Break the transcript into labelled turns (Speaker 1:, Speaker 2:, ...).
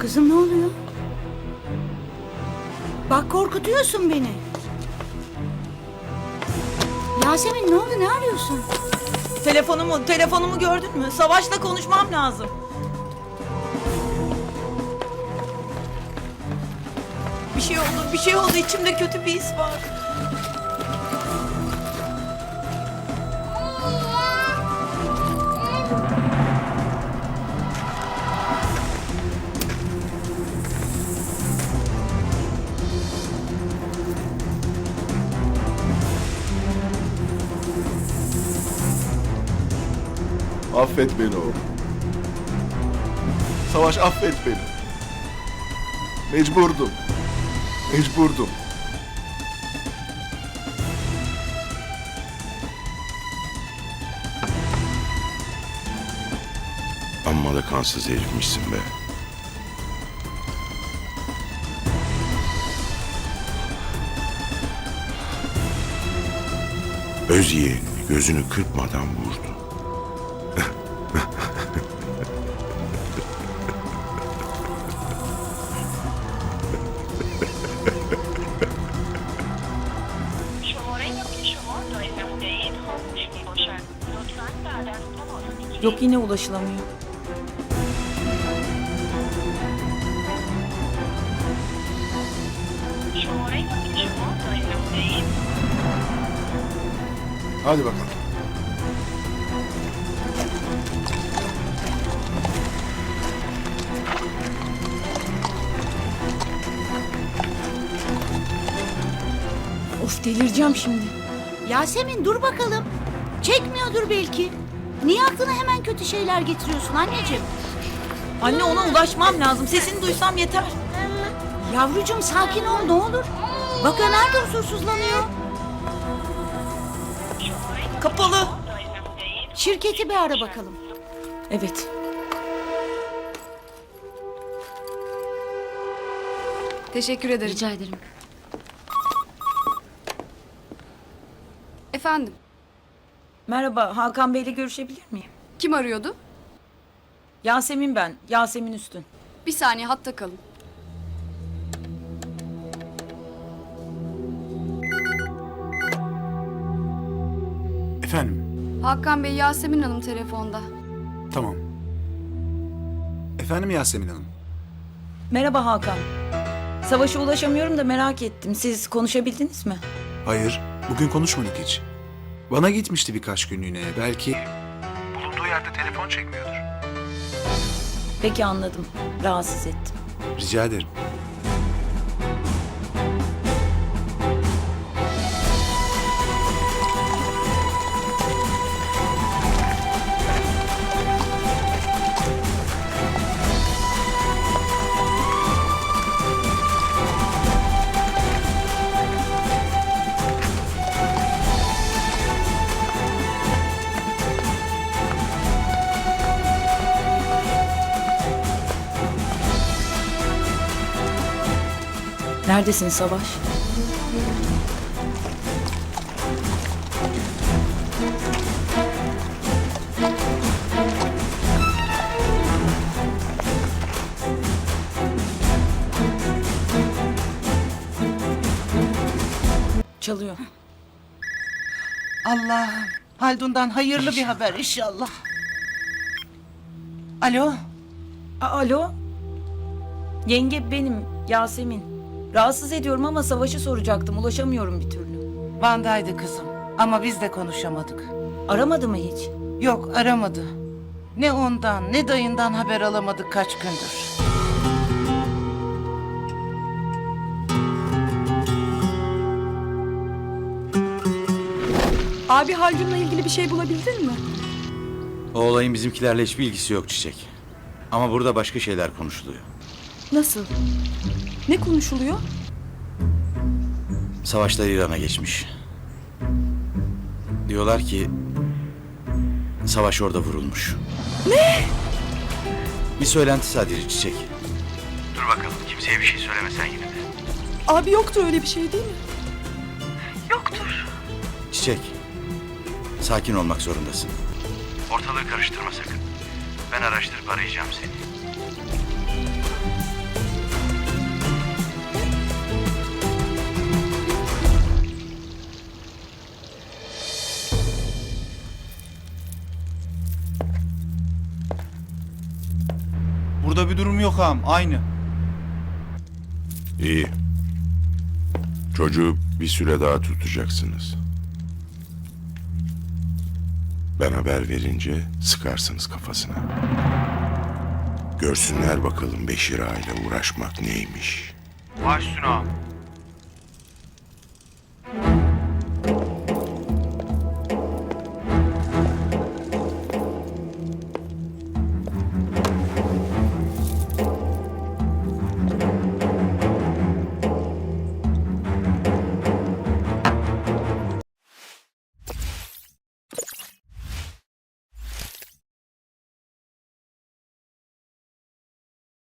Speaker 1: Kızım ne oluyor? Bak korkutuyorsun beni. Yasemin ne oldu, ne arıyorsun?
Speaker 2: Telefonumu gördün mü? Savaş'la konuşmam lazım. Bir şey oldu. İçimde kötü bir his var.
Speaker 3: Affet beni oğlum. Savaş affet beni. Mecburdum.
Speaker 4: Amma da kansız herifmişsin be. Öz yeğenini gözünü kırpmadan vurdu.
Speaker 2: Yok, yine ulaşılamıyor.
Speaker 3: Hadi bakalım.
Speaker 2: Of, delireceğim şimdi.
Speaker 1: Yasemin dur bakalım. Çekmiyordur belki. Niye aklına hemen kötü şeyler getiriyorsun anneciğim?
Speaker 2: Anne, ona ulaşmam lazım. Sesini duysam yeter.
Speaker 1: Yavrucuğum sakin ol ne olur. Bak Ömer de huzursuzlanıyor.
Speaker 2: Kapalı.
Speaker 1: Şirketi bir ara bakalım.
Speaker 2: Evet.
Speaker 5: Teşekkür ederim.
Speaker 1: Rica ederim.
Speaker 5: Efendim,
Speaker 2: Merhaba, Hakan Bey'le görüşebilir miyim?
Speaker 5: kim arıyordu?
Speaker 2: Yasemin ben, Yasemin Üstün.
Speaker 5: Bir saniye hatta kalın.
Speaker 6: Efendim,
Speaker 5: Hakan Bey, Yasemin Hanım telefonda.
Speaker 6: tamam. Efendim Yasemin Hanım.
Speaker 2: Merhaba Hakan. Savaş'a ulaşamıyorum da merak ettim. Siz konuşabildiniz mi?
Speaker 6: Hayır, bugün konuşmadık hiç. Bana gitmişti birkaç günlüğüne. Belki bulunduğu yerde telefon çekmiyordur.
Speaker 2: Peki, anladım. Rahatsız ettim.
Speaker 6: Rica ederim.
Speaker 2: Neredesin Savaş? Çalıyor.
Speaker 7: Allah'ım, Haldun'dan hayırlı bir haber inşallah. Alo,
Speaker 2: Alo? Yenge, benim Yasemin. Rahatsız ediyorum ama Savaş'ı soracaktım. Ulaşamıyorum bir türlü.
Speaker 7: Van'daydı kızım ama biz de konuşamadık.
Speaker 2: Aramadı mı hiç?
Speaker 7: Yok, aramadı. Ne ondan ne dayından haber alamadık kaç gündür.
Speaker 5: Abi, Haldun'la ilgili bir şey bulabildin mi?
Speaker 8: O olayın bizimkilerle hiçbir ilgisi yok Çiçek. Ama burada başka şeyler konuşuluyor.
Speaker 5: Nasıl? Ne konuşuluyor?
Speaker 8: Savaşlar İran'a geçmiş. Diyorlar ki Savaş orada vurulmuş. Ne? Bir söylenti sadece Çiçek. Dur bakalım, kimseye bir şey söylemesen yine de.
Speaker 5: Abi, yoktur öyle bir şey değil mi?
Speaker 8: Çiçek, sakin olmak zorundasın. Ortalığı karıştırma sakın. Ben araştırıp arayacağım seni.
Speaker 9: bir durum yok ağam. Aynı.
Speaker 4: İyi. Çocuğu bir süre daha tutacaksınız. Ben haber verince sıkarsınız kafasına. Görsünler bakalım Beşir Ağa ile uğraşmak neymiş.
Speaker 9: Baş üstüne ağam.